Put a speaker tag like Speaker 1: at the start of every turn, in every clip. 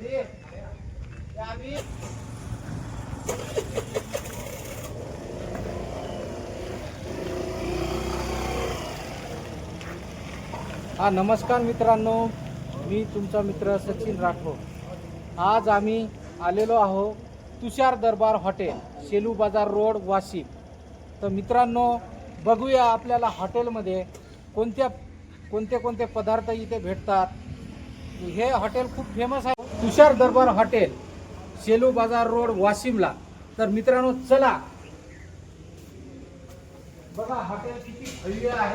Speaker 1: हा नमस्कार मित्रांनो, मी तुमचा मित्र सचिन राठोड. आज आम्ही आलेलो आहो तुषार दरबार हॉटेल, शेलू बाजार रोड, वाशिम. तर मित्रांनो, बघूया आपल्याला हॉटेलमध्ये कोणते पदार्थ इथे भेटतात. हे हॉटेल खूप फेमस आहे, तुषार दरबार हॉटेल, शेलू बाजार रोड, वाशिमला. तर मित्रांनो चला बघा हॉटेल किती भव्य आहे.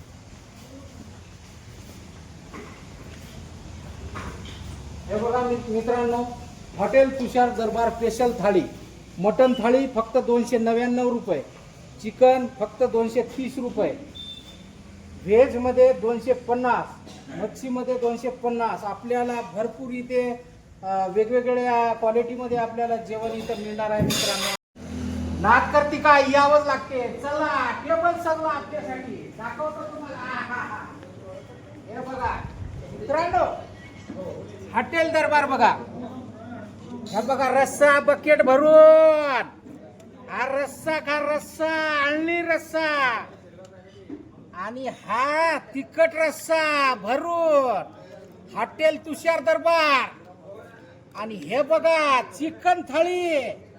Speaker 1: हे बघा मित्रांनो, हॉटेल तुषार दरबार स्पेशल थाळी. मटन थाळी फक्त 299 रुपये, चिकन फक्त 230 रुपये, व्हेजमध्ये 250, मच्छीमध्ये 250. आपल्याला भरपूर इथे वेगवेगळ्या क्वालिटीमध्ये आपल्याला जेवण इथं मिळणार आहे. मित्रांनो, नाद करती का, यावंच लागते. चला टेबल सगळं आपल्यासाठी दाखवतो तुम्हाला. हे बघा मित्रांनो, हॉटेल दरबार बघा. हा बघा रस्सा बकेट भरून, हा रस्सा का रस्सा, अळणी रस्सा, आणि हा तिखट रस्सा भरून हॉटेल तुषार दरबार. आणि हे बघा चिकन थाळी,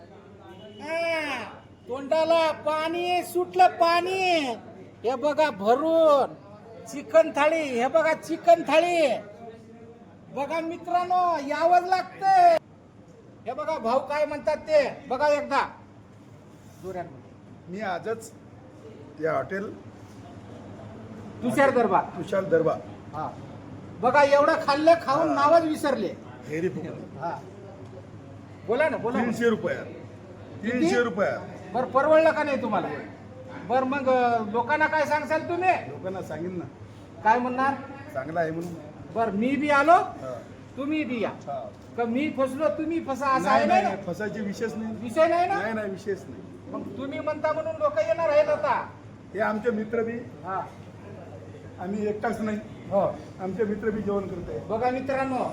Speaker 1: तोंडाला पाणी सुटलं, पाणी. हे बघा भरून चिकन थाळी. हे बघा चिकन थाळी बघा मित्रांनो, यावंच लागते. हे बघा भाऊ काय म्हणतात ते बघा एकदा जोरात.
Speaker 2: मी आजच या हॉटेल
Speaker 1: तुषार दरबार हा बघा एवढं खाल्लं, खाऊन नावच विसरले.
Speaker 2: हेरी
Speaker 1: हा बोला ना, बोला.
Speaker 2: 300 रुपयात, 300 रुपयात.
Speaker 1: बरं परवडलं का नाही तुम्हाला? बरं मग लोकांना काय सांगसाल तुम्ही?
Speaker 2: लोकांना सांगेन ना,
Speaker 1: काय म्हणणार?
Speaker 2: चांगला आहे म्हणून.
Speaker 1: बर मी बी आलो, तुम्ही बी या. का मी फसलो तुम्ही फसा, असं आहे
Speaker 2: नाही,
Speaker 1: ना?
Speaker 2: नाही, फसायचे विषयच नाही.
Speaker 1: विषय नाही ना?
Speaker 2: नाही नाही, विषयच नाही.
Speaker 1: मग तुम्ही म्हणता म्हणून लोक येणार आहेत आता.
Speaker 2: हे आमचे मित्र बी,
Speaker 1: हा
Speaker 2: आम्ही एकटाच नाही,
Speaker 1: हो
Speaker 2: आमचे मित्र बी जेवण करते.
Speaker 1: बघा मित्रांनो,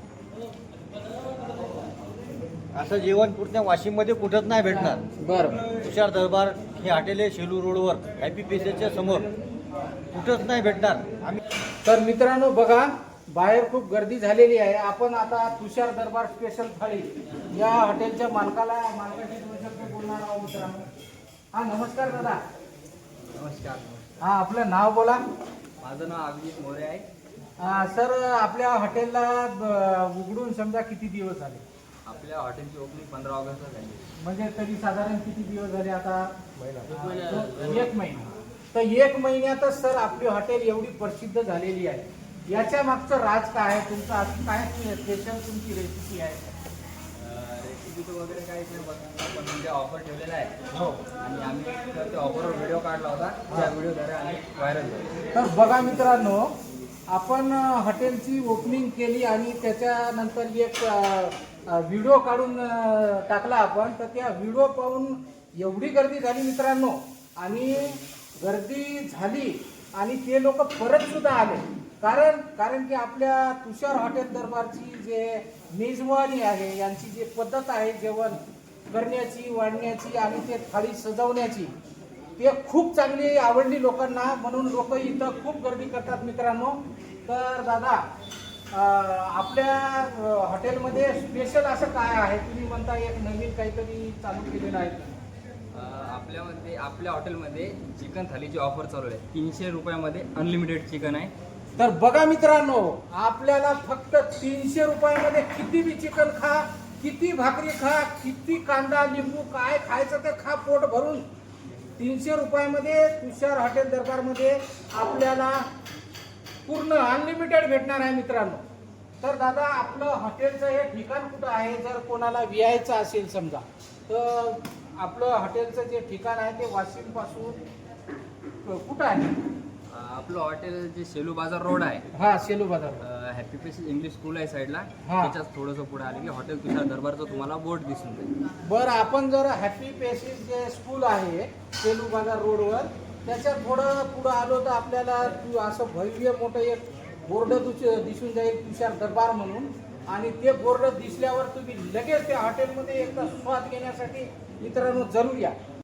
Speaker 3: असं जेवण पूर्ण वाशिम मध्ये कुठंच नाही भेटणार.
Speaker 1: बर
Speaker 3: तुषार दरबार हे हॉटेल आहे, शेलू रोडवर, हॅपी पेसेसच्या समोर. कुठंच नाही भेटणार. आम्ही
Speaker 1: तर मित्रांनो बघा, बाहेर खूप गर्दी झालेली आहे. आपण आता तुषार दरबार स्पेशल थाळी या हॉटेलच्या मालकाशी 2 शब्द बोलणार आहोत. मित्रांनो, हा नमस्कार दादा.
Speaker 3: नमस्कार.
Speaker 1: हा आपलं नाव बोला.
Speaker 3: माझं नाव अभिजित मोरे आहे.
Speaker 1: सर आपल्या हॉटेलला उघडून समजा किती दिवस झाले?
Speaker 3: आपल्या हॉटेलची ओपनिंग 15 ऑगस्टला झाली.
Speaker 1: म्हणजे तरी साधारण किती दिवस झाले आता? 1 महिना. तर 1 महिन्यातच सर आपली हॉटेल एवढी प्रसिद्ध झालेली आहे. याच्या मागचं राज काय आहे तुमचं? असं काय स्पेशल तुमची रेसिपी आहे?
Speaker 3: रेसिपी वगैरे काहीच नाही, पण म्हणजे ऑफर ठेवलेला आहे.
Speaker 1: हो.
Speaker 3: आणि आम्ही त्या ऑफरवर व्हिडिओ काढला होता, त्या व्हिडिओद्वारे आम्ही व्हायरल झालो.
Speaker 1: तर बघा मित्रांनो, आपण हॉटेलची ओपनिंग केली आणि त्याच्यानंतर एक व्हिडिओ काढून टाकला आपण. तर त्या व्हिडिओ पाहून एवढी गर्दी झाली मित्रांनो, आणि गर्दी झाली आणि ते लोक परत सुद्धा आले. कारण की आपल्या तुषार हॉटेल दरबारची जे मेजवानी आहे, यांची जी पद्धत आहे जेवण करण्याची, वाढण्याची आणि ते थाळी सजवण्याची, ते खूप चांगली आवडली लोकांना. म्हणून लोक इथं खूप गर्दी करतात मित्रांनो. तर दादा, आपल्या हॉटेलमध्ये स्पेशल असं काय आहे? तुम्ही म्हणता एक नवीन काहीतरी चालू केलेलं आहे.
Speaker 4: आपल्या हॉटेलमध्ये चिकन थालीची ऑफर चालू आहे. 300 रुपयामध्ये अनलिमिटेड चिकन आहे.
Speaker 1: तर बघा मित्रांनो, आपल्याला फक्त 300 रुपयामध्ये किती बी चिकन खा, किती भाकरी खा, किती कांदा लिंबू काय खायचं ते खा, पोट भरून. 300 रुपयामध्ये तुषार हॉटेल दरबारमध्ये आपल्याला पूर्ण अनलिमिटेड भेटणार आहे मित्रांनो. तर दादा, आपलं हॉटेलचं हे ठिकाण कुठं आहे? जर कोणाला यायचं असेल समजा, तर आपलं हॉटेलचं जे ठिकाण आहे ते वाशिम पासून कुठं आहे?
Speaker 4: आपलं हॉटेल जे शेलू बाजार रोड आहे,
Speaker 1: हा शेलू बाजार,
Speaker 4: हॅपी पेसेस इंग्लिश स्कूल आहे साईडला.
Speaker 1: हा.
Speaker 4: त्याच्याच थोडंसं पुढे आले की हॉटेल तुषार दरबारचं तुम्हाला बोर्ड दिसून जाईल.
Speaker 1: बरं, आपण जर हॅपी पेसेस जे स्कूल आहे शेलू बाजार रोडवर, त्याच्या थोडं पुढं आलो तर आपल्याला असं भव्य मोठं एक बोर्ड दिसून जाईल तुषार दरबार म्हणून. आणि ते बोर्ड दिसल्यावर तुम्ही लगेच त्या हॉटेलमध्ये एकदा स्वाद घेण्यासाठी मित्रांनो जरूर या.